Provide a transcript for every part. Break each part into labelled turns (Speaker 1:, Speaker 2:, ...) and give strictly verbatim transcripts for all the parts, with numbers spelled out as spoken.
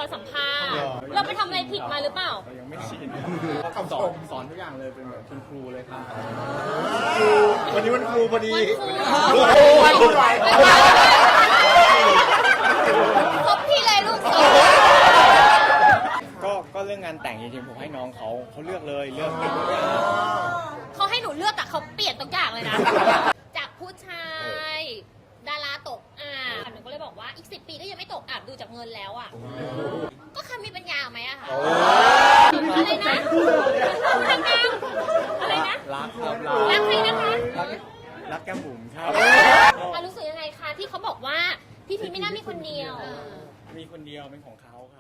Speaker 1: อนสัมภาษณ์เราไปทำอะไรผิดมาหรือเปล่า
Speaker 2: เรายังไม่ชินเขาสอนสอนทุกอย่างเลยเป็นแบบคุณครูเลยครับ
Speaker 3: วันนี้วันครูพอดี
Speaker 1: วันครูครบพี่เลยลูกสาว
Speaker 2: ก็ก็เรื่องงานแต่งจริงๆผมให้น้องเขาเขาเลือกเลยเลือกทุกอย่าง
Speaker 1: เขาให้หนูเลือกแต่เขาเปลี่ยนทุกอย่างเลยนะจากผู้ชายดาราตกอ่าหนูก็เลยบอกว่าอีกสิบปีก็ยังไม่ตกอับดูจากเงินแล้วอ่ะก็คำมีปัญญาไหมอะคะอะไรนะทำงานอะไรนะ
Speaker 2: รักครับ
Speaker 1: รักใครนะคะ
Speaker 2: รักแก้มบุ๋มครับ
Speaker 1: รู้สึกยังไงคะที่เขาบอกว่าพี่พีไม่น่ามีคนเดียว
Speaker 2: มีคนเดียวเป็นของเขาครับ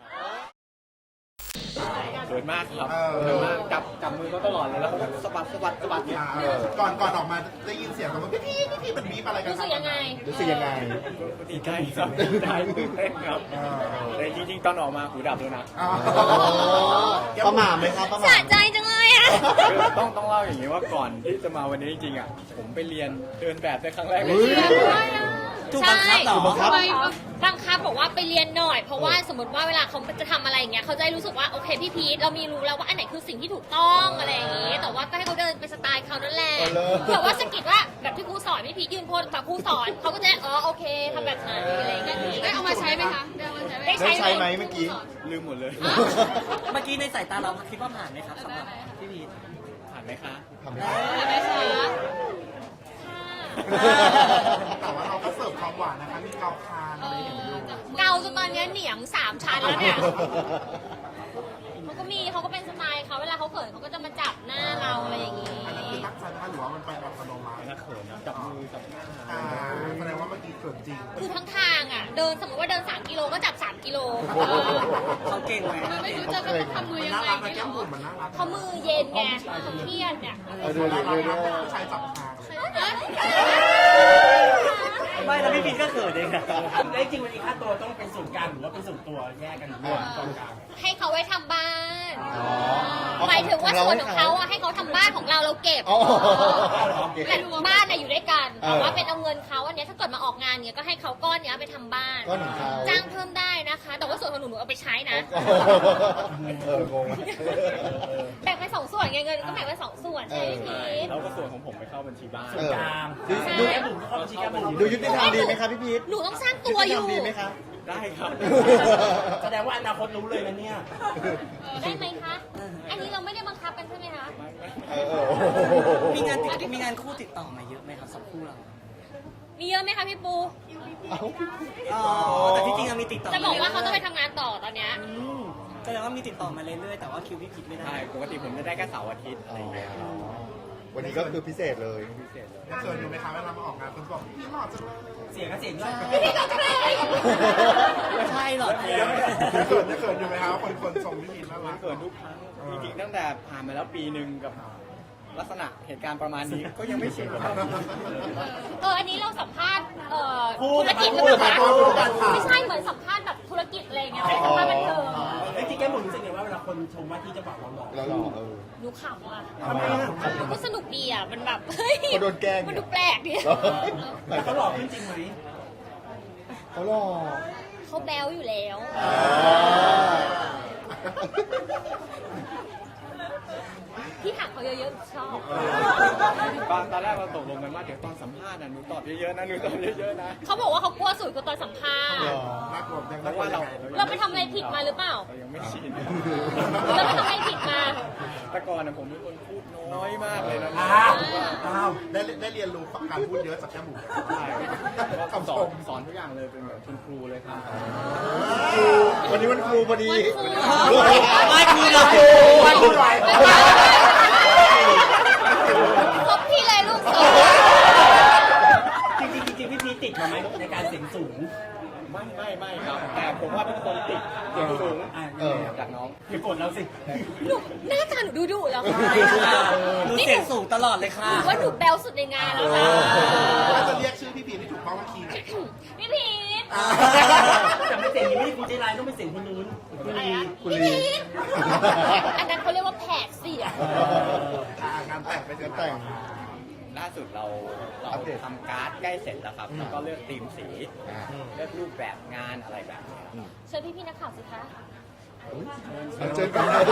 Speaker 2: เดินมากครับเดินมากจับจับมือเขาตลอดเลยแล้วเขาสะบัดสะบัดสะบัดเนี่ย
Speaker 3: ก่อนก่อนออกมาได้ยินเสียงเขาว่าพี่พี่พี่มันบีบอะไรกัน
Speaker 1: รู้สึกยังไง
Speaker 3: รู้สึกยังไง
Speaker 2: ดีใจครับดีใจตื่นเต้นครับแต่จริงๆตอนออกมาหูดับเลยนะ
Speaker 3: ประมาทไหมครับประมาท
Speaker 1: สะใจจังเลยอ่ะ
Speaker 2: ต้องต้องเล่าอย่างนี้ว่าก่อนที่จะมาวันนี้จริงๆอ่ะผมไปเรียนเดินแบบในครั้งแรกเลย
Speaker 1: ถูกบังคับเหรอบังคับบอกว่าไปเรียนหน่อยเพราะว่าสมมติว่าเวลาเขาจะทำอะไรอย่างเงี้ยเขาจะรู้สึกว่าโอเคพี่พีทเรามีรู้แล้วว่าอันไหนคือสิ่งที่ถูกต้องอะไรอย่างงี้แต่ว่าก็ให้เขาเดินไปสไตล์เขานั่นแหละแต่ว่าสกิดว่าแบบที่ครูสอนพี่พีทยืนโพสแบบครูสอนเขาก็จะอ๋อโอเคทำแบบไหนอะไรอย่างเงี้ยได้เอามาใช้ไหมคะได้ใช้
Speaker 3: ไหมเมื่อกี้
Speaker 2: ลืมหมดเลย
Speaker 4: เมื่อกี้ในสายตาเราคิดว่าผ่านไหมครับสำหรับพี่พีท
Speaker 2: ผ่านไหมคะ
Speaker 3: ผ่านไหมแต่ว่าเราก็เสิร์ฟความหวานนะคะมีเกาคางอะไรอย่างเงี้ย
Speaker 1: เกาจนตอนนี้เหนียงสามชั้นแล้วเนี่ยเขาก็มีเขาก็เป็นสไตล์เขาเวลาเขาเขินเขาก็จะมาจับหน้าเราอะไรอย่างงี้
Speaker 3: อันนี้คือตั้งใจนะคะหรือว่ามันไปอัตโนมัติ
Speaker 2: นะเขินจับมือจับหน้า
Speaker 3: แสดงว่าเมื่อกี้เขินจริง
Speaker 1: คือทั้งทางอ่ะเดินสมมติว่าเดินสามกิโลก็จับสามกิโล
Speaker 4: เขาเก่งไหม
Speaker 1: ไม่รู้จะทำมือยังไงเขามือเย็นไงเขาเครียดเนี่ย
Speaker 3: ดูดูดูดูผู้ชายจับทาง
Speaker 4: ไม่แล้วพี่พีทก็เขินเองนะ
Speaker 5: ได้จริงวันนี้ค่าตัวต้องเป็นส่วนกลางหรือว่าเป็นส่วนตัวแยกกันหรือว่าตรงกลาง
Speaker 1: ให้เขาไว้ทำบ้านหมายถึงว่าส่วนของเขาอะให้เขาทำบ้านของเราเราเก็บแต่บ้านอะอยู่ด้วยกันแต่ว่าเป็นเอาเงินเขาอันนี้ถ้าเกิดมาออกงานเนี้ยก็ให้เขาก้อนเนี้ยไปทำบ้านจ้างเพิ่มได้นะคะแต่ว่าส่วนของหนูหนูเอาไปใช้นะแบ่งเป็นสองส่วนไงเงินก็แบ่งเป็นสองส่วนใช่ไหมพี่
Speaker 2: แล้วก็ส่วนของผมไปเข้าบัญชีบ้าน
Speaker 5: ส่วนกลางดูแอปบุ๋มเข้าบัญชีกลาง
Speaker 3: ดูยุติธรรมดีไหมครับพี่พีท
Speaker 1: หนูต้องสร้างตัวอยู่
Speaker 3: ดีไหมครับ
Speaker 2: ได้ครับ
Speaker 5: แสดงว่าอนาคตรู้เลยนะเนี่ย
Speaker 1: ได้ไหมคะอันนี้เราไม่ได้บังคับกันใช่ไหมคะ
Speaker 4: มีงานติดมีงานคู่ติดต่อมาเยอะไหมครับสองคู่เรา
Speaker 1: มีเยอะไหมคะพี่ปู
Speaker 4: อ๋อแต่ที่จริงมีติดต่อ
Speaker 1: จะบอกว่าเขาต้องไปทำงานต่อตอนเนี้ย
Speaker 4: แสดงว่ามีติดต่อมาเรื่อยๆแต่ว่าคิวพี่ผิดไม่ได้
Speaker 2: ปกติผมจะได้แค่เสาร์อาทิตย์อะไรอย่างเงี้ย
Speaker 3: วันนี้ก็คือพิเศษเลย
Speaker 2: พิเศษเลย
Speaker 3: เขินอยู่ไหมคะเวลามาออกงานคนบอกพี่หล่อจังเลย
Speaker 5: เสียงก็เสียงด้วย
Speaker 4: ไม่ใช่หรอก
Speaker 3: เขินจะเขินอยู่ไหมคะคนคนชมพี่พีทน่ารัก
Speaker 2: เขินทุกครั้งจริงๆตั้งแต่ผ่านมาแล้วปีหนึ่งกับลักษณะเหตุการณ์ประมาณนี้ก็ยังไม่ชินครับ
Speaker 1: เอออันนี้เราสัมภาษณ์เอ่อธุรกิจหรือเปล่าไม่ใช่เหมือนสัมภาษณ์แบบธุรกิจอะไรเงี้ยเป็นสัมภาษณ์บันเทิง
Speaker 5: ไอ้ที่แก้มบุ๋มรู้สึกไงว่าเวลาคนชมว่าที่จะบอกเราหล่อ
Speaker 3: เราหล่อเออ
Speaker 1: หนูขำอ่ะ
Speaker 5: ทำไมอ่ะ
Speaker 1: ก็สนุกดีอ่ะมันแบบเฮ้ย
Speaker 3: เขาโดนแกล้ง
Speaker 1: มันดูแปลกดิ
Speaker 5: เขาหล่อขึ้นจริงไหม
Speaker 3: เขาหล่อ
Speaker 1: เขาแบ๊วอยู่แล้วที่ถามเขาเยอะๆชอบ
Speaker 2: ตอนตอนแรกเราตกลงกันว่าเดี๋ยวตอนสัมภาษณ์นะหนูตอบเยอะๆนะหนูตอบเยอะๆนะ
Speaker 1: เขาบอกว่าเขากลัวสุดคือตอนสัมภาษณ์
Speaker 3: เพราะว่าเรา
Speaker 1: เราไปทำอะไรผิดมาหรือเปล่า
Speaker 2: เรายังไม่ชิน
Speaker 1: เราไปทำอะไรผิดมา
Speaker 2: แต่ก่อนนะผมเป็นคนพูดน้อยมากเลยนะ
Speaker 3: อ้าวได้ได้เรียนรู้การพูดเยอะจากแก้มบุ๋ม
Speaker 2: ใช่คำสอนสอนทุกอย่างเลยเป็นแบบคุณครูเลยครับ
Speaker 3: วันนี้วันครูพอดี
Speaker 4: ไม่ครูเรา
Speaker 3: วันครูไหว
Speaker 1: ครบพี่เลยลูกสาว
Speaker 5: จริงจริงพี่พีติดมาไหมในการเสียงสูง
Speaker 2: ไม่ไม่ไม่ครับแต่ผมว่าเป็นคนติดเสียงสูงจากน้อง
Speaker 5: พี่ฝนแล้วสิ
Speaker 1: หนูหน้าตาหนูดูดุแล้วค่ะ
Speaker 4: หนูเสียงสูงตลอดเลยค่ะ
Speaker 1: ว่าหนูแบลสุดในงานแล้วค่ะ
Speaker 3: ถ้าจะเรียกชื่อพี่พีทที่ถูกต้องว่าคีย์
Speaker 1: พี่พีท
Speaker 5: แต่ไม่เสียงนี้ไม่คุณใจร้ายต้องเป็นเสียงคนนู้น
Speaker 1: คุณลีคุณลีอันนั้นเขาเรียกว่าแผดเสียง
Speaker 3: งานแต่งเป็นงานแต่ง
Speaker 2: ล่าสุดเราเรา
Speaker 3: อัปเดต
Speaker 2: ทำการ์ดใกล้เสร็จแล้วครับ
Speaker 3: อืม
Speaker 2: แล้วก็เลือกธีมสี
Speaker 3: อ่า
Speaker 2: เลือกรูปแบบงานอะไรแบบนี้ครับ
Speaker 1: เชิญพี่ๆนักข่าวสิคะ
Speaker 3: เอาเจอกันนะ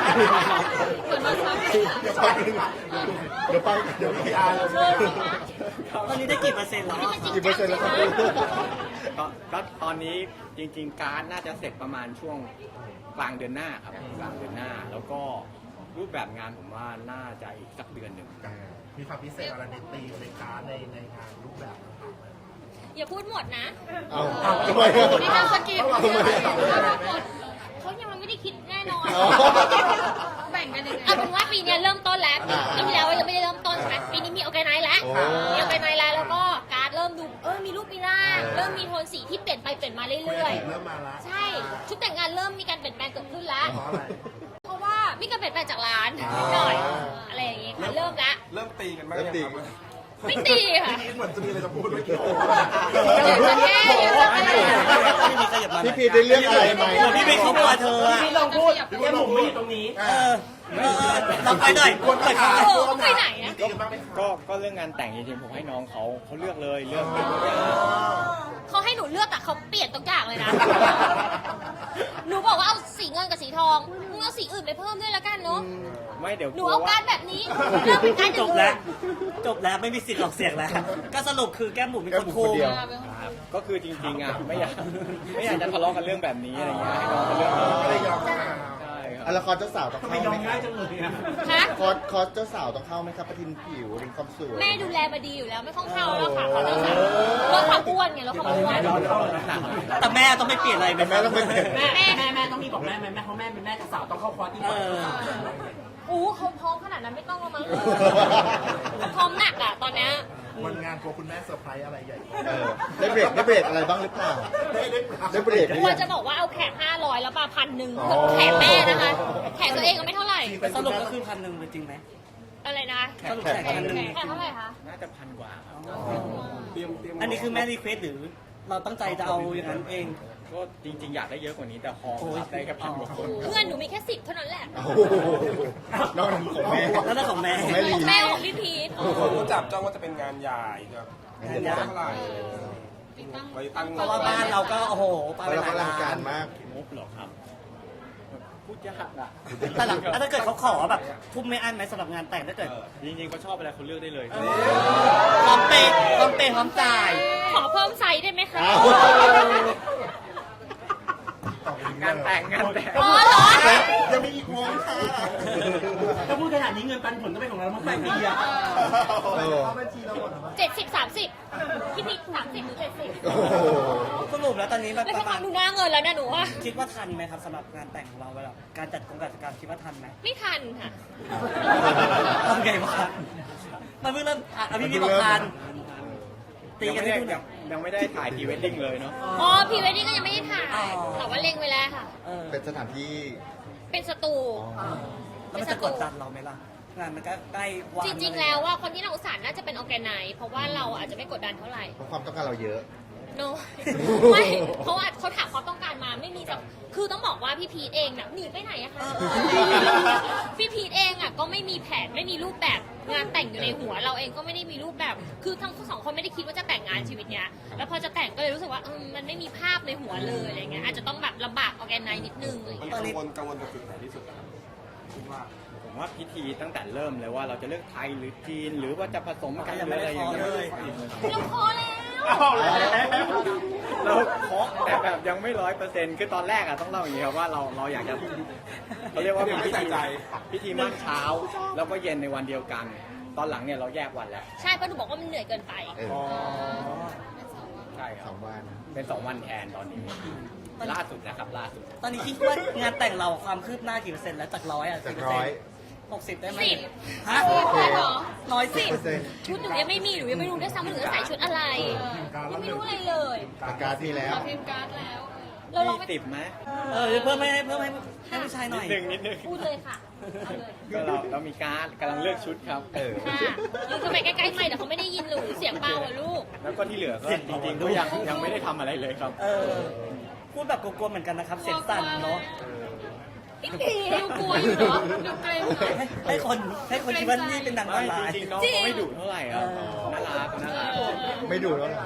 Speaker 3: เดี๋ยวไปเดี๋ยวพีอาร์
Speaker 1: เชิญสิคะ
Speaker 4: ตอนนี้ได้กี่เปอร์เซ็นต์แล้ว
Speaker 1: นี่มันจริง
Speaker 3: กี่เปอ
Speaker 1: จั
Speaker 3: ร์
Speaker 1: ง
Speaker 3: เซ็นต์
Speaker 1: ใช่
Speaker 3: แล้ว
Speaker 1: ไห
Speaker 3: ค
Speaker 1: ม
Speaker 3: รับ
Speaker 2: ก็ก็ตอนนี้จริง ๆ การ์ดน่าจะเสร็จประมาณช่วงกลางเดือนหน้าครับกลางเดือนหน้า แล้วก็รูปแบบงานผมว่าน่าจะอีกสักเดือนหนึ่ง
Speaker 3: มีความพิเศษอะไรในตีมในการดในในงานรูปแบบต่างๆไหม
Speaker 1: อย่าพูดหมดนะ
Speaker 3: เอาเอาทำไมอะ
Speaker 1: ไม่น่าสกิป
Speaker 3: ทำไมอะ
Speaker 1: เขายังไม่ได้คิดแน่นอน
Speaker 3: อ๋อ
Speaker 1: แบ่งกันยังไงเอาเป็นว่าปีเนี้ยเริ่มต้นแล้วปี
Speaker 3: อ่า
Speaker 1: ปีที่แล้วยังไม่ได้เริ่มต้นใช่ไหมปีนี้มีออแกไนซ์แล้ว
Speaker 3: โอ้
Speaker 1: มีออแกไนซ์แล้วแล้วก็การ์ดเริ่มดูเออมีรูปมีร่าง
Speaker 3: เออ
Speaker 1: เริ่มมีโทนสีที่เปลี่ยนไปเปลี่ยนมาเรื่อย
Speaker 3: เริ่มมาละ
Speaker 1: ๆ ใช่ชุดแต่งงานเริ่มมีการเปลี่ยนแปลงเกิดขึ้นแล้ว
Speaker 3: เพราะอะไร
Speaker 1: เพราะว่ามีการเปลี่ยนแปลงจากร้าน
Speaker 3: อ่า
Speaker 1: นิดหน่อยอะไรอย่างงี้ค่ะเริ่มแล้ว
Speaker 6: เริ่มตีกันบ้าง
Speaker 3: เริ่ม
Speaker 6: ยัง
Speaker 3: ตี
Speaker 6: ครับ
Speaker 1: ไม่ตีค่ะ
Speaker 3: เหมือนจะมีอะไรจะพูดเมื่อกี้
Speaker 1: อยากจะแก้อยากจะแก้
Speaker 4: ไม่มีขยับมา
Speaker 3: พี่พีได้เลือกอะไรไหม
Speaker 4: เหมือนพี่เป็นครอบครัวเธออะ
Speaker 5: พี่ลองพูดแก้มผมไม่อยู่ตรงนี้
Speaker 4: เออเออลองไปหน่อย
Speaker 3: ควร
Speaker 4: ไป
Speaker 3: ถา
Speaker 4: ค่ะ
Speaker 3: ม
Speaker 1: เออเขาไปไหนอะ
Speaker 3: ตีกันบ้างไหมครับ
Speaker 2: ก็ก็เรื่องงานแต่งจริงๆผมให้น้องเขาเขาเลือกเลยเลือกทุกอย่าง
Speaker 1: เขาให้หนูเลือกแต่เขาเปลี่ยนทุกอย่างเลยนะ หนูบอกว่าเอาสีเงินกับสีทองมึงเอาสีอื่นไปเพิ่มด้วยละกันเนาะ
Speaker 2: ไม่เดี๋ยว
Speaker 1: หนู
Speaker 2: กลัว
Speaker 1: เอา
Speaker 2: ว่า
Speaker 1: การแบบนี้เลือกเป็นการอ
Speaker 4: จ
Speaker 1: ย่าง
Speaker 4: บ
Speaker 1: อื่
Speaker 4: แล้ว
Speaker 1: น
Speaker 4: จบแล้วไม่มีสิทธิ์ออกเสียงแล้ว ก็สรุปคือแก้มบุ๋มเป็น
Speaker 3: แก้
Speaker 4: ค
Speaker 3: ม
Speaker 4: น
Speaker 3: บุ๋ม
Speaker 4: คุ
Speaker 3: คน
Speaker 4: ม
Speaker 3: เดียว
Speaker 2: ครับก็คือจริงๆอ่ะไม่อยากไม่อยากจะทะเลาะกันเรื่องแบบนี้อะไรเงี้ยให้น้องเขาเลือกเลย
Speaker 3: ไม่ได้ยอมกัน
Speaker 2: ใช่ค
Speaker 3: อ่ะ
Speaker 2: รับ
Speaker 3: แล้วคอร์สเจ้าสาวต้อง
Speaker 5: ทำไม
Speaker 3: เข้าย
Speaker 5: อ
Speaker 3: ไหม
Speaker 5: ม
Speaker 3: ค
Speaker 5: ง่า
Speaker 3: รั
Speaker 5: ย
Speaker 3: บ
Speaker 5: จังเลยอะ
Speaker 1: ฮะ
Speaker 3: คอร์สคอร์สเจ้าสาวต้องเข้าไหมครับประทินผิวเป็นความสวย
Speaker 1: แม่ดูแลมาดีอยู่แล้วไม่ต้องเข้าแล้วค่ะเขาเจ้าสาวลดความอ้วนไงลดความอ้วน
Speaker 4: แต่แม่ต้องไม่เปลี่ยนอะไร
Speaker 3: แต่แม่ต้องไม่เปลี่ยน
Speaker 5: แม่แม่แม่แม่ต้องมีบอกแม่แม่แม่เพราะแม่เป็นแม่กับสาวต้องเข้าคอร์สที่
Speaker 4: เอ
Speaker 5: ก่อน
Speaker 4: อ
Speaker 1: อู้เขาพร้อมขนาดนั้นไม่ต้องแล้วมั้งพร้อมหนักอะตอนเนี้ย
Speaker 3: วันงานกลัวคุณแม่เซอร์ไพรส์อะไรใหญ่เออได้เบรกได้เบรกอะไรบ้างหรือเปล่าได้เบรกหรื
Speaker 1: ก
Speaker 3: อ
Speaker 1: ลัว
Speaker 3: ยัง
Speaker 1: จะบอกว่าเอาแขกห้าร้อยแล้วมาพันหนึ่ง
Speaker 3: อ๋อ
Speaker 1: แขกแม่นะคะแขกตัวเองก็ไม่เท่าไหร่
Speaker 4: สรุปก็คือพันหนึ่งเป็นจริงไหม
Speaker 1: อะไรนะ
Speaker 4: สรุปแขกพันหนึ่ง
Speaker 1: แขกเท่าไหร่คะ
Speaker 2: น่าจะพันกว่าครับ
Speaker 6: เตรียมเตรียม
Speaker 4: อันนี้คือแม่รีเควสหรือเราตั้งใจจะเอาอย่างนั้นเอง
Speaker 2: ก็จริง ๆ อยากได้เยอะกว่านี้แต่ฮอล
Speaker 4: โอ้ย
Speaker 2: รับได้แค่พันกว่าคน
Speaker 1: เพื่อนหนูมีแค่สิบเท่านั้นแหละ
Speaker 3: โอ้โหนอกนั้นของแม่
Speaker 4: แล้วนั่นของแม่
Speaker 3: ของแม่ลี
Speaker 1: แม่ของพี่พีท
Speaker 6: ผมก็จับจ้องว่าจะเป็นงานใหญ่ครับ
Speaker 4: งานใหญ่
Speaker 6: เท่าไหร่ไว้ตั้ง
Speaker 4: เพราะว่าบ้านเราก็โอ้โหไป
Speaker 3: เรา
Speaker 4: หลาย
Speaker 3: อลั
Speaker 4: ล้าง
Speaker 3: การ
Speaker 4: น
Speaker 3: มาก
Speaker 2: งบเหรอครับพูดยากอ่ะ
Speaker 4: แต่หลังแล้วถ้าเกิดเขาขอแบบทุ่มไม่อั้นไหมสำหรับงานแต่งถ้าเกิด
Speaker 2: เออจริงๆเขาชอบอะไรเขาเลือกได้เลย
Speaker 4: พร้อมเปย์พร้อมเปย์พร้อมจ่าย
Speaker 1: ขอเพิ่มไซส์ได้ไหมคะ
Speaker 3: อ้าว
Speaker 2: งานแต่งงานแต่ง
Speaker 1: อ๋อเหรอ
Speaker 3: ยังมีอีกวงค่ะ
Speaker 5: ถ้าพูดขนาดนี้เงินปันผลต้องเป็นของเราเมื่อไหร่ดีอะ
Speaker 3: เออ
Speaker 1: เจ็ดสิบสามสิบพี่พีทสามสิบหรือเจ็ดสิบ
Speaker 3: โอ้โห
Speaker 4: สรุปแล้วตอนนี้แบบ
Speaker 1: แล้ว
Speaker 4: ป
Speaker 1: ถ้า
Speaker 4: ระมาณ
Speaker 1: ทำดูหน้าเงินแล้วนะหนูว่า
Speaker 4: คิดว่าทันไหมครับสำหรับงานแต่งของเราเวลาการจัดกงการจัดการคิดว่าทันไหม
Speaker 1: ไม่ทันค่ะ
Speaker 4: ทำไงวะมันเพิ่งเริ่มอ่ะอ่ะพี่พี่บอกทันตี
Speaker 2: ยัง
Speaker 4: กัน
Speaker 2: ไม่
Speaker 4: ที่
Speaker 2: ได้
Speaker 4: นู่น
Speaker 2: ยังยังไม่ได้ถ่ายพรีเวดดิ้งเลยเนาะ
Speaker 1: อ๋อพรีเวดดิ้งก็ยังไม่ได้ถ่าย
Speaker 4: อ๋อ
Speaker 1: แต่ว่าเล็งไว้แล้วค่ะ
Speaker 4: เออ
Speaker 3: เป็นสถานที่
Speaker 1: เป็นสตู
Speaker 4: แล้วมันจะกดดันเราไหมล่ะงานมันก็ใกล้วัน
Speaker 1: จริงๆ แล้วว่าคนที่เราอุตส่าห์น่าจะเป็นออแกไนซ์เพราะว่าเราอาจจะไม่กดดันเท่าไหร่
Speaker 3: เพราะความต้องการเราเยอะ
Speaker 1: โน ไม่เพราะว่าเขาถามความต้องการมาไม่มีจะคือต้องบอกว่าพี่พีทเองน่ะหนีไปไหนอะคะพี่พีทเองอะก็ไม่มีแผนไม่มีรูปแบบงานแต่งอยู่ในหัว เราเองก็ไม่ได้มีรูปแบบ คือทั้งสองคนไม่ได้คิดว่าจะแต่งงานชีวิตเนี้ยแล้วพอจะแต่งก็เลยรู้สึกว่าเออมันไม่มีภาพในหัวเลยอะไรเงี้ยอาจจะต้องแบบลำบากออแกไนซ์นิดนึงอะไร
Speaker 6: มี
Speaker 1: เงี้ย
Speaker 6: กังวลกังวลกับจุดไหนที่สุดครับคิดว่า
Speaker 2: ผมว่าพิธีตั้งแต่เริ่มเลยว่าเราจะเลือกไทยหรือจีนหรือว่าจะผสมกัน
Speaker 4: ยัง
Speaker 2: หรื
Speaker 4: ไม่
Speaker 2: ออะไร
Speaker 4: ได้
Speaker 2: อ
Speaker 4: ขอย่าง
Speaker 2: เงี้ย
Speaker 4: เลย
Speaker 1: เราพอแล้ว
Speaker 2: เราเคาะแต่แบบยังไม่ร้อยเปอร์เซ็นต์คือตอนแรกอะต้องเล่าอย่างนี้ครับว่าเราเราอยากจะเขาเรียกว่ามีพิธีพิธีมั่นเช้า แล้วก็เย็นในวันเดียวกัน ตอนหลังเนี่ยเราแยกวันแล้ว
Speaker 1: ใช่เพราะหนูบอกว่ามันเหนื่อยเกินไป
Speaker 3: เออ
Speaker 2: ใช่ค
Speaker 3: ส
Speaker 2: รั
Speaker 3: อบ งวัน
Speaker 2: เป็นสองวันแทนตอนนี้ ล่าสุดนะครับล่าสุด
Speaker 4: ตอนนี้คิดว่างานแต่งเราความคืบหน้ากี่เปอร์เซ็นต์แล้วจากร้อยอ่ะ
Speaker 3: จาก
Speaker 4: กี่เปอร์
Speaker 3: ร้
Speaker 4: เซ็
Speaker 3: อน ย
Speaker 4: ต์หกสิบได้ไหม
Speaker 1: สิบ
Speaker 4: ฮะ
Speaker 1: ใช่เหรอ
Speaker 4: น้อยสิ
Speaker 3: เปอร์เซ็นต์
Speaker 1: ชุดหนูยังไม่มีหนูยังไม่รู้ด้วยซ้ำว่าหนูจะใส่ชุดอะไรยังไม่รู้อะไรเลย
Speaker 3: อาการมีแล้ว
Speaker 1: พิมพ์การ์ดแล้วเราลอง
Speaker 2: มี
Speaker 1: ไป
Speaker 2: สิบไหม
Speaker 4: เออเพิ่มให้เพิ่มให้ให้ผู้ชายห
Speaker 2: นิ
Speaker 4: น่
Speaker 2: ด
Speaker 4: อย
Speaker 2: นึงนิดนึง
Speaker 1: พูดเลยค่ะเอาเลย
Speaker 2: ก็เราเรามีการดกำลังเลือกชุดครับ
Speaker 3: เออ
Speaker 1: ค่ะยืนทำไมใกล้ๆไม่เดี๋ยวเขาไม่ได้ยินหนูเสียงเบาอะลูก
Speaker 2: แล้วก็ที่เหลือก็จริงๆก็ยังยังไม่ได้ทำอะไรเลยครับ
Speaker 4: เออพูดแบบกลัวๆเหมือนกันนะครับ เสียงสั่นเนาะ
Speaker 1: เพี่พีดูกลัวอยู่เนาะดูเกรงหน่อย
Speaker 4: ให้ให้คนให้คนคิดว่านี่เป็นหนังออ
Speaker 2: ไม่
Speaker 4: นไลน์
Speaker 2: จริงๆน้อง
Speaker 1: จริง
Speaker 2: เขาไม่ดุเท่าไหร่ครับน่ารักน่ารัก
Speaker 3: ไม่ดูแล้ว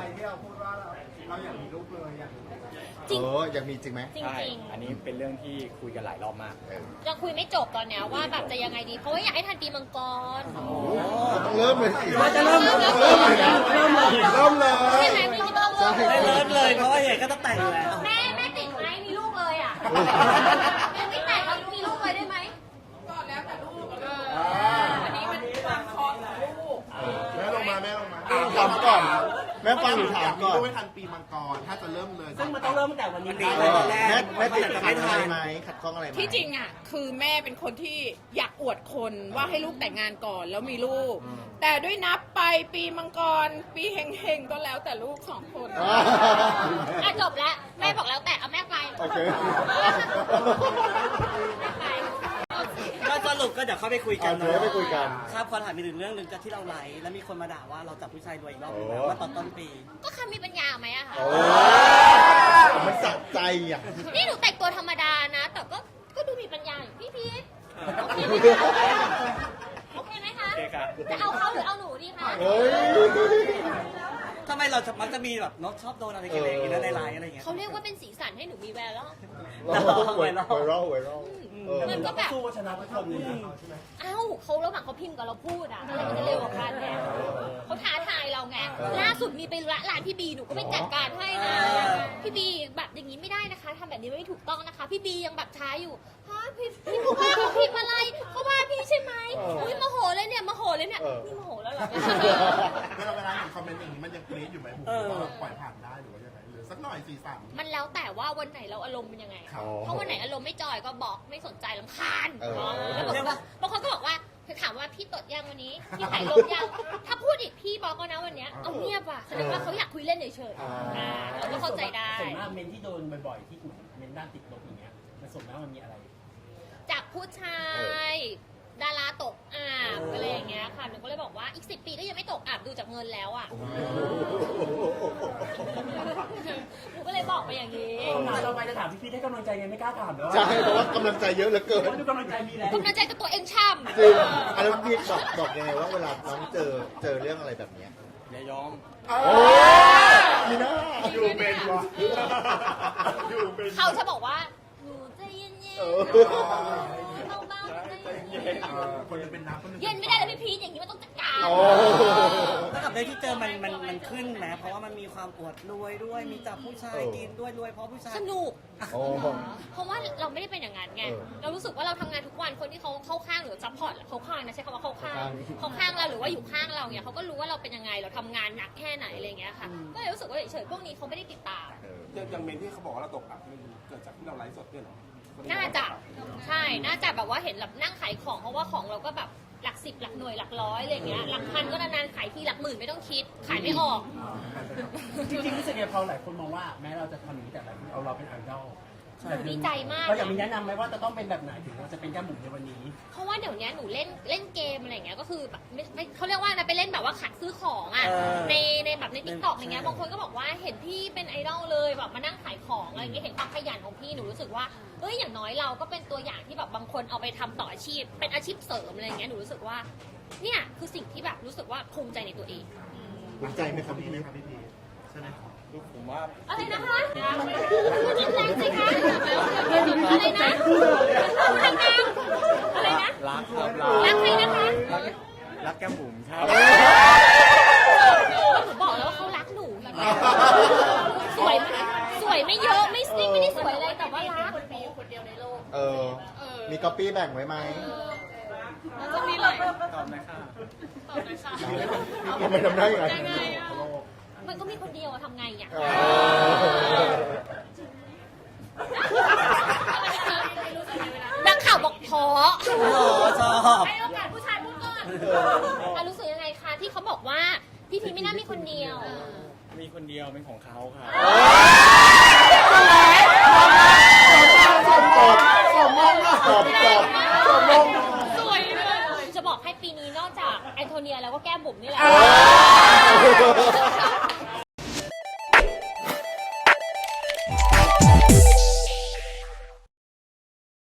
Speaker 1: จริง
Speaker 3: เอออยากมีจริงไหม
Speaker 1: จริง
Speaker 2: ใช่
Speaker 1: จริง
Speaker 2: อันนี้เป็นเรื่องที่คุยกันหลายรอบมาก
Speaker 1: ยังคุยไม่จบตอนเนี้ยว่าแบบจะยังไงดี เพราะว่าอยากให้ทันปีมังกร
Speaker 3: ต้องเริ่มเลยสิ
Speaker 4: ว่าจะเริ่ม
Speaker 3: เริ่มเลยนะ
Speaker 4: เริ่มเลย
Speaker 3: เริ่มเลย
Speaker 1: ใช่ไหมไม่คิดว่าต้องเริ่ม
Speaker 4: ไม่เริ่มเลยเพราะว่าเห็นก็ต้องแต่งอยู่แล้ว
Speaker 1: แม่แม่ติดไหมมีลูกเลยอ่ะแม่ไม่แต่งแล้วมีลูกเลยได้ไหม
Speaker 3: แม่ลงมาแม่ลงมาถามก่อนแม่ฟังหรือถามก่อน
Speaker 7: ไม่ทันปีมังกรถ้าจะเริ่มเลย
Speaker 5: ซึ่งมันต้องเริ่มตั้งแต่วันนี้
Speaker 4: วันนี้
Speaker 3: เออ
Speaker 4: แร
Speaker 3: แม่
Speaker 4: ก
Speaker 3: แม่ติด
Speaker 4: จะ
Speaker 3: ขั
Speaker 4: ไม่
Speaker 3: ดอะ
Speaker 4: ทั
Speaker 3: ไร
Speaker 4: น
Speaker 3: ไหมขัดข้องอะไรไหม
Speaker 8: ที่จริงอ่ะคือแม่เป็นคนที่อยากอวดคนว่าให้ลูกแต่งงานก่อนแล้วมีลูก แต่ด้วยนับไปปีมังกร ปีเฮงๆก็แล้วแต่ลูกสองคน
Speaker 3: อ่า
Speaker 1: อ่ะจบแล้วแม่บอกแล้วแต่เอาแม่ไป
Speaker 3: โอเค
Speaker 1: แม่ไป
Speaker 4: ก็สรุปก็เดี๋ยวเข้าไปคุยกัน
Speaker 3: เอาเดี๋ยวไปคุยกัน
Speaker 4: ครับขอถามอีกหนึ่งเรื่องหนึ่งจากที่เราไลฟ์แล้วมีคนมาด่าว่าเราจับผู้ชายรวยอีกรอบหนึง
Speaker 3: โอ้
Speaker 4: แล้วว่าตอนต้นปี
Speaker 1: ก็คำมีปัญญาไหมอะคะ
Speaker 3: โอ้มันสะใจอ่ะ
Speaker 1: นี่หนูแต่งตัวธรรมดานะ แต่ก็ก็ดูมีปัญญาอยู่พี่พีทโอเคไหมคะโอเคไหมคะ
Speaker 2: โอเคครับ
Speaker 1: จะเอาเขาหรือเอาหนูดีคะ
Speaker 3: เฮ้ย
Speaker 4: ทำไมเราจะมักจะมีแบบน้องชอบโดนอะไรกันอย่างเงี้ยในไลน์อะไรอย่างเงี้ย
Speaker 1: เขาเรียกว่าเป็นสีสันให้หนูมีแววแล้ว
Speaker 3: ไวรัลไวรัลไวรัลเออ
Speaker 1: มันก็แบบ
Speaker 5: สู้ชนะทุกคนเลยนะ
Speaker 1: เอ้าเขาระหว่างเขาพิมพ์กับเราพูดอะอะไรมันจะเร็วกว่ากันเนี่ยเขาท้าทายเราไง ล่าสุดมีไปร้านพี่บีหนูก็ไปจัดการให้นะ พี่บีแบบอย่างนี้ไม่ได้นะคะทำแบบนี้ไม่ถูกต้องนะคะ พี่บียังแบบท้าอยู่ฮะพี่พี่เขาว่าเขาพิมพ์อะไรเขาว่าพี่ใช่ไหมอุ้ยโมโหเลยเนี่ยโมโหเลยเนี่ยนี่โมโหแล้วเหรอ
Speaker 7: เวลาเวลาเห็นคอมเมนต์อย่างนี้มันยังกรี๊ดอยู่ไหมผมว่าปล่อยผ่านได้หรือว่ายังไงหรือสักหน่อยสีสัน
Speaker 1: มันแล้วแต่ว่าวันไหนเราอารมณ์เป็นยังไง
Speaker 3: อ๋อ
Speaker 1: เพราะวันไหนอารมณ์ไม่จอยก็บอกไม่สนใจลำคาญ
Speaker 3: เออ
Speaker 1: แล้วบางคนบางคนก็บอกว่าคือถามว่าพี่ตดยังวันนี้ พี่ถ่ายลมยัง ถ้าพูดอีกพี่บอกก็นะวันเนี้ยเอาเงียบว่ะแสดงว่าเขาอยากคุยเล่นเฉยๆอ่าเราก็เข้าใจได้
Speaker 5: ส่วนมากเมนที่โดนบ่อยๆที่เมนด้านติดลบอย่างเงี้ยมันส่วนมากมันมีอะไร
Speaker 1: จากผู้ชาย ดาราตกอับอะไรอย่างเงี้ยค่ะหนูก็เลยบอกว่าอีกสิบปีก็ยังไม่ตกอับดูจากเงินแล้วอ่ะหนูก็เลยบอกไปอย่างนี้
Speaker 5: คำถามต่อไปจะถามพี่พีทให้กำลังใจไงไม่กล้าถามเลยว่า
Speaker 3: ใช่เพราะว่ากำลังใจเยอะเหลือเกิน
Speaker 5: เพราะดูกำลังใจมีแล้ว
Speaker 1: กำลังใจกับตัวเองช่ำ
Speaker 3: จริงอันนั้นพี่บอกบอกยังไงว่าเวลาน้องเจอเจอเรื่องอะไรแบบเนี้ย
Speaker 2: อย่ายอม
Speaker 3: โอ้มีหน้า
Speaker 7: อยู่เป็นวะอยู่เป็น
Speaker 1: เขาจะบอกว่าหนูใจเย็น
Speaker 3: เออ
Speaker 1: ๆเบาๆใจเย็น
Speaker 7: เออคนหนึงเป็นน้ำคนหนึง
Speaker 1: ๆเย็นไม่ได้เลยพี่พีทอย่างนี้มันต้องจัดการ
Speaker 3: โอ้
Speaker 4: แล้วกับเรื่องที่เจอมันมันมันขึ้นไหมเพราะว่ามันมีความอวดรวยด้วย มีจับผู้ชายกินด้วยรวยเพราะผู้ชาย
Speaker 1: สนุก
Speaker 3: โอ้
Speaker 1: เพราะว่าเราไม่ได้เป็นอย่างนั้นไง
Speaker 3: เออ
Speaker 1: เรารู้สึกว่าเราทำงานทุกวัน คนที่เขาเข้าข้างหรือซัพพอร์ตเขาข้างนะใช้คำว่าเข้าข้าง
Speaker 3: เข้าข้าง
Speaker 1: เขาข้างเราหรือว่าอยู่ข้างเราเนี่ยเขาก็รู้ว่าเราเป็นยังไง เราทำงานหนักแค่ไหนอะไรอย่างเงี้ยค่ะ ก็เลยรู้สึกว่าเฉยๆพวกนี้เขาไม่ได้ติดตาม
Speaker 3: เออ
Speaker 6: อย่างอย่างเมนที่เขาบอกว่าเราตกอับมันเกิดจากที่เราไลฟ์สดเนี่ยเหรอ
Speaker 1: น่าจะ ใช่ น่าจะแบบว่าเห็นแบบนั่งขายของ เพราะว่าของเราก็แบบหลักสิบหลักหน่วยหลักร้อยอะไรอย่างเงี้ย หลักพันก็นานๆขายทีหลักหมื่นไม่ต้องคิด ขายไม่ออก
Speaker 5: จริงๆรู้สึกไงพอหลายคนมองว่าแม้เราจะทำอย่างนี้แต่หลายคนเอาเราเป็นไอดอล
Speaker 1: ดีใจมาก
Speaker 5: เราอยากมีแนะนำไหมว่าจะต้องเป็นแบบไหนถึงเราจะเป็นแก้มบุ๋มในวันนี้
Speaker 1: เพราะว่าเดี๋ยวนี้หนูเล่นเล่นเกมอะไรอย่างเงี้ยก็คือแบบไม่ไม่เขาเรียกว่านะไปเล่นแบบว่าขัดซื้อของอ่ะ
Speaker 4: เออ
Speaker 1: ในในแบบในทิกตอกอย่างเงี้ยบางคนก็บอกว่าเห็นพี่เป็นไอดอลเลยแบบมานั่งขายของอะไรอย่างเงี้ยเห็นความขยันของพี่หนูรู้สึกว่าเอ้ยอย่างน้อยเราก็เป็นตัวอย่างที่แบบบางคนเอาไปทำต่ออาชีพ เป็นอาชีพเสริมอะไรอย่างเงี้ยหนูรู้สึกว่าเนี่ยคือสิ่งที่แบบรู้สึกว่าภูมิใจในตัวเอง
Speaker 3: ภูมิใจไหมครับพี่
Speaker 7: ไหม
Speaker 3: เล็ก
Speaker 7: ครับพี่พีใช่ไหม
Speaker 2: ลูกผมว่า
Speaker 1: อะไรนะคะพูดจริงจังสิคะอะไรนะพูดดังๆอะไรนะ
Speaker 2: รักครับ
Speaker 1: รักใครนะคะ
Speaker 2: รักรักแก้มบุ๋มครับ
Speaker 1: หนูบอกแล้วว่าเขารักหนูอย่างเงี้ยสวยไหมสวยไม่เยอะไม่ซิ่งไม่ได้สวยอะไรแต่ว่ารักมีอยู่คนเดียวในโลก
Speaker 3: เออ มีก๊อปปี้แบ่งไว้ไหม
Speaker 1: แล้วก็มีเลย
Speaker 2: ตอบหนะค่ะ
Speaker 1: ตอบเลยค่ะ
Speaker 3: ทำไมทำได้ยังไง
Speaker 1: ยังไงอ่ะมันก็มีคนเดียวอะทำไงอ่ะ
Speaker 3: เออ
Speaker 1: นักข่าวบอกพอ
Speaker 4: โอ้โหชอบ
Speaker 1: ให้โอกาสผู้ชายพูดก่อนอ่ะรู้สึกยังไงคะที่เขาบอกว่าพี่พีไม่น่ามีคนเดียว
Speaker 2: มีคนเดียวเป็นของเขาครับ
Speaker 3: ตอบตอบตอบมองตอบตอบตอบมอง
Speaker 1: สวยเลยจะบอกให้ปีนี้นอกจากแอนโทเนียแล้วก็แก้มบุ๋มนี่แหละ